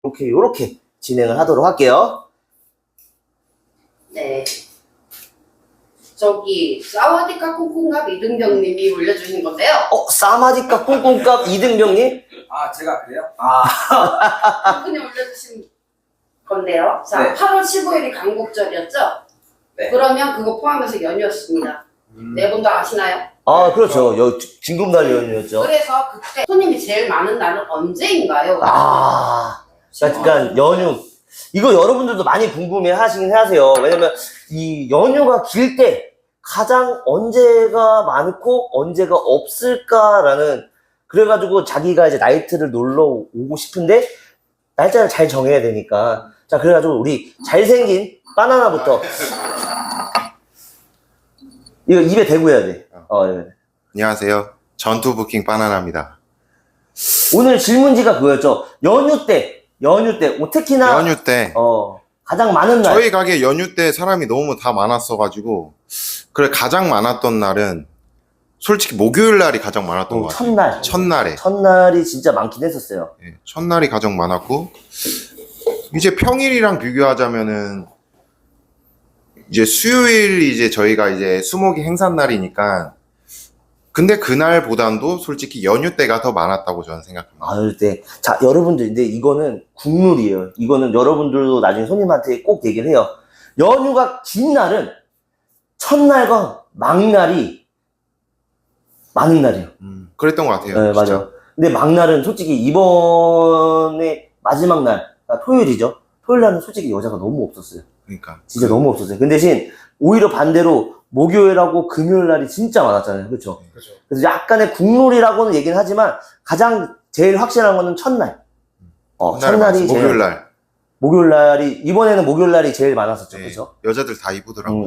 요렇게 진행을 하도록 할게요. 네. 저기 사와디카 콩콩갑 이등병님이 올려주신 건데요. 사마디카 콩콩값 이등병님? 아, 제가 그래요? 그분이 올려주신 건데요. 자, 네. 8월 15일이 강국절이었죠? 네. 그러면 그거 포함해서 연휴였습니다. 네 분도 아시나요? 그렇죠. 진금날 연휴였죠. 그래서 그때 손님이 제일 많은 날은 언제인가요? 그러니까 연휴. 이거 여러분들도 많이 궁금해 하시긴 하세요. 왜냐면 이 연휴가 길 때 가장 언제가 많고 언제가 없을까라는, 그래가지고 자기가 이제 나이트를 놀러 오고 싶은데 날짜를 잘 정해야 되니까. 자, 그래가지고 우리 잘생긴 바나나부터. 이거 입에 대고 해야 돼. 네. 안녕하세요. 전투 부킹 바나나입니다. 오늘 질문지가 그거였죠. 연휴 때 특히나 연휴 때 가장 많은 날. 저희 가게 연휴 때 사람이 너무 다 많았어가지고 그래 가장 많았던 날은 솔직히 목요일 날이 가장 많았던 것 같아요. 첫날이 진짜 많긴 했었어요. 네, 첫날이 가장 많았고 이제 평일이랑 비교하자면은 이제 수요일 이제 저희가 이제 수목이 행사날이니까 근데 그날보단도 솔직히 연휴 때가 더 많았다고 저는 생각합니다. 때. 자, 여러분들, 근데 이거는 국룰이에요. 이거는 여러분들도 나중에 손님한테 꼭 얘기를 해요. 연휴가 긴 날은 첫날과 막날이 많은 날이에요. 그랬던 것 같아요. 네, 진짜. 맞아요. 근데 막날은 솔직히 이번에 마지막 날, 그러니까 토요일이죠. 토요일 날은 솔직히 여자가 너무 없었어요. 그러니까 진짜 너무 없었어요. 근데 대신 오히려 반대로 목요일하고 금요일 날이 진짜 많았잖아요. 그렇죠? 그래서 약간의 국룰이라고는 얘기는 하지만 가장 제일 확실한 거는 첫날. 첫날이 목요일 날. 목요일 날이, 이번에는 목요일 날이 제일 많았었죠. 네, 그렇죠? 여자들 다 이쁘더라고요.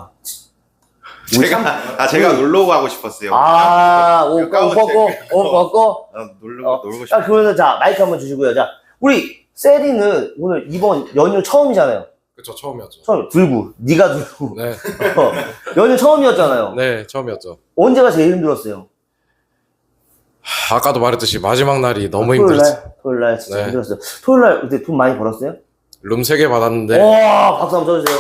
제가 놀러 가고 싶었어요. 옷 벗고. 놀고 싶어요. 그러면 자, 마이크 한번 주시고요. 자, 우리 세리는 오늘 이번 연휴 처음이잖아요. 그쵸, 처음이었죠. 네가 들고. 네, 연휴 처음이었잖아요. 네, 처음이었죠. 언제가 제일 힘들었어요? 아까도 말했듯이 마지막 날이 너무 힘들었어요. 토요일 날 진짜 네. 힘들었어요. 토요일 날 그때 돈 많이 벌었어요? 룸 3개 받았는데 와, 박수 한번 쳐주세요.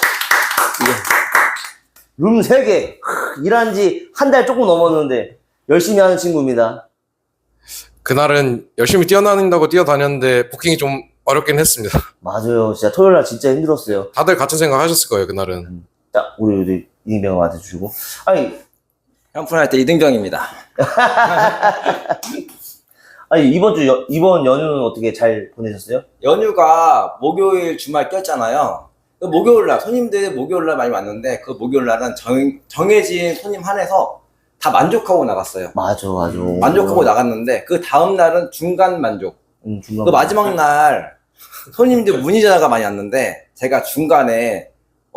룸 3개. 일한 지 한 달 조금 넘었는데 열심히 하는 친구입니다. 그날은 열심히 뛰어다닌다고 뛰어다녔는데 부킹이 좀 어렵긴 했습니다. 맞아요. 진짜 토요일 날 진짜 힘들었어요. 다들 같은 생각 하셨을 거예요, 그날은. 자, 우리 이등병한테 주시고. 현fun할 때 이등병입니다. 이번 연휴는 어떻게 잘 보내셨어요? 연휴가 목요일 주말 꼈잖아요. 그 목요일 날 손님들 목요일 날 많이 왔는데 그 목요일 날은 정해진 손님 한해서 다 만족하고 나갔어요. 맞아. 만족하고 나갔는데 그 다음 날은 중간 만족. 그 마지막 날 손님들 문의자가 많이 왔는데 제가 중간에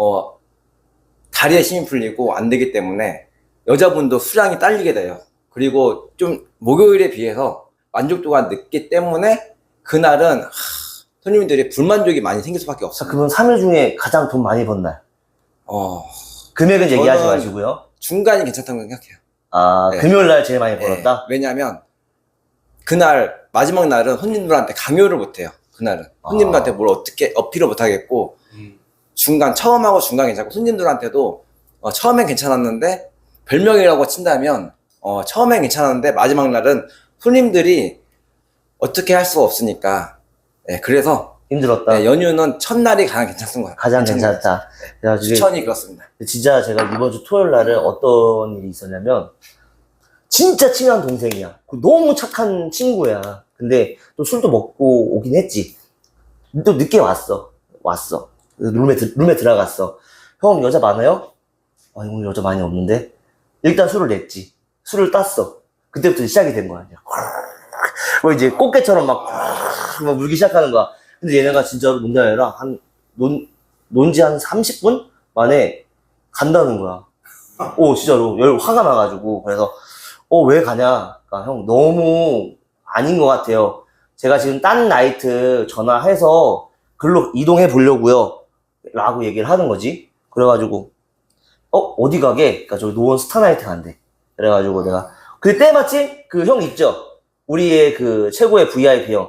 다리에 힘이 풀리고 안 되기 때문에 여자분도 수량이 딸리게 돼요. 그리고 좀 목요일에 비해서 만족도가 늦기 때문에 그날은 손님들이 불만족이 많이 생길 수밖에 없어요. 그러면 3일 중에 가장 돈 많이 번 날? 금액은 저는 얘기하지 마시고요. 중간이 괜찮다고 생각해요. 네. 금요일 날 제일 많이 벌었다? 왜냐면 그날 마지막 날은 손님들한테 강요를 못해요. 그날은 손님들한테 뭘 어떻게 어필을 못하겠고 중간 처음하고 중간 괜찮고 손님들한테도 처음엔 괜찮았는데 별명이라고 친다면 처음엔 괜찮았는데 마지막 날은 손님들이 어떻게 할 수가 없으니까 그래서 힘들었다. 연휴는 첫날이 가장 괜찮은 거예요. 가장 괜찮다. 추천이 그렇습니다. 진짜 제가 이번 주 토요일 날에 어떤 일이 있었냐면 진짜 친한 동생이야. 너무 착한 친구야. 근데 또 술도 먹고 오긴 했지. 또 늦게 왔어. 룸에 들어갔어. 형 여자 많아요? 오늘 여자 많이 없는데? 일단 술을 냈지. 술을 땄어. 그때부터 시작이 된 거야. 이제 꽃게처럼 막 물기 시작하는 거야. 근데 얘네가 진짜로 농담이 아니라 논지 한 30분 만에 간다는 거야. 진짜로 화가 나가지고. 그래서 왜 가냐? 그러니까 형 너무 아닌 것 같아요. 제가 지금 딴 나이트 전화해서 글로 이동해 보려고요. 라고 얘기를 하는 거지. 그래가지고 어디 가게? 그러니까 저기 노원 스타나이트 간대. 그래가지고 내가 그때 마침 그 형 있죠? 우리의 그 최고의 VIP 형.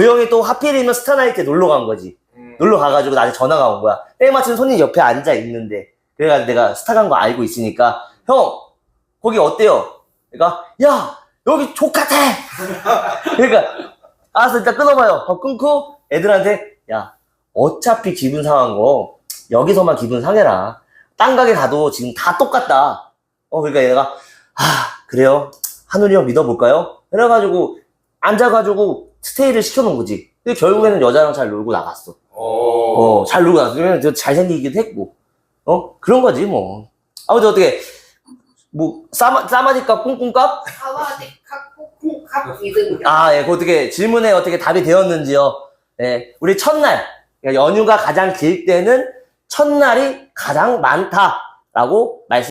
그 형이 또 하필이면 스타나이트에 놀러 간 거지. 놀러 가가지고 나한테 전화가 온 거야. 때마침 손님 옆에 앉아 있는데. 그래가지고 내가 스타 간 거 알고 있으니까, 형, 거기 어때요? 그러니까, 야, 여기 족같아! 그러니까, 알았어, 일단 끊어봐요. 끊고 애들한테, 야, 어차피 기분 상한 거, 여기서만 기분 상해라. 딴 가게 가도 지금 다 똑같다. 그러니까 얘가, 그래요? 한우리 형 믿어볼까요? 그래가지고, 앉아가지고 스테이를 시켜놓은 거지. 근데 결국에는 여자랑 잘 놀고 나갔어. 잘 놀고 나갔어. 왜냐면 잘생기기도 했고. 그런 거지, 뭐. 아무튼 어떻게, 뭐, 싸마디값, 꿍꿍값? 사와디 칵 이등병. 예, 그 어떻게, 질문에 어떻게 답이 되었는지요. 예, 우리 첫날, 그러니까 연휴가 가장 길 때는 첫날이 가장 많다라고 말씀